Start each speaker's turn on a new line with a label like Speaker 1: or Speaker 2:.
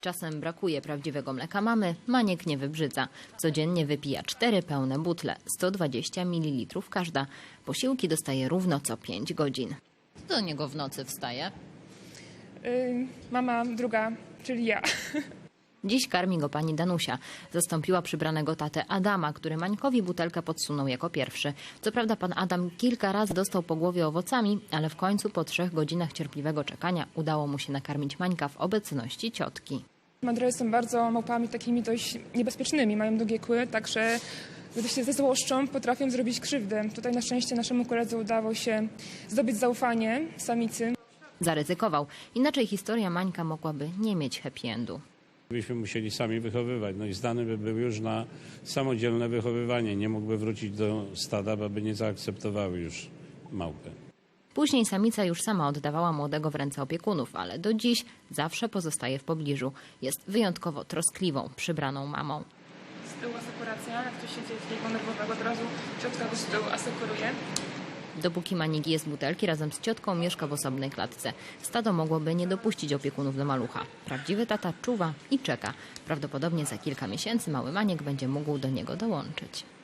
Speaker 1: Czasem brakuje prawdziwego mleka mamy, Maniek nie wybrzydza. Codziennie wypija 4 pełne butle, 120 ml każda. Posiłki dostaje równo co 5 godzin. Kto do niego w nocy wstaje?
Speaker 2: Mama druga, czyli ja.
Speaker 1: Dziś karmi go pani Danusia. Zastąpiła przybranego tatę Adama, który Mańkowi butelkę podsunął jako pierwszy. Co prawda pan Adam kilka razy dostał po głowie owocami, ale w końcu po 3 godzinach cierpliwego czekania udało mu się nakarmić Mańka w obecności ciotki.
Speaker 2: Mandrele są bardzo małpami takimi dość niebezpiecznymi, mają długie kły, także gdy się zezłoszczą, potrafią zrobić krzywdę. Tutaj na szczęście naszemu koledze udało się zdobyć zaufanie samicy.
Speaker 1: Zaryzykował. Inaczej historia Mańka mogłaby nie mieć happy endu.
Speaker 3: Byśmy musieli sami wychowywać, no i zdany by był już na samodzielne wychowywanie. Nie mógłby wrócić do stada, bo by nie zaakceptowały już małpy.
Speaker 1: Później samica już sama oddawała młodego w ręce opiekunów, ale do dziś zawsze pozostaje w pobliżu. Jest wyjątkowo troskliwą, przybraną mamą.
Speaker 2: Z tyłu asekuracja, jak coś się dzieje takiego nerwowego, od razu ciotka go z tyłu asekuruje.
Speaker 1: Dopóki Manik je z butelki, razem z ciotką mieszka w osobnej klatce. Stado mogłoby nie dopuścić opiekunów do malucha. Prawdziwy tata czuwa i czeka. Prawdopodobnie za kilka miesięcy mały Maniek będzie mógł do niego dołączyć.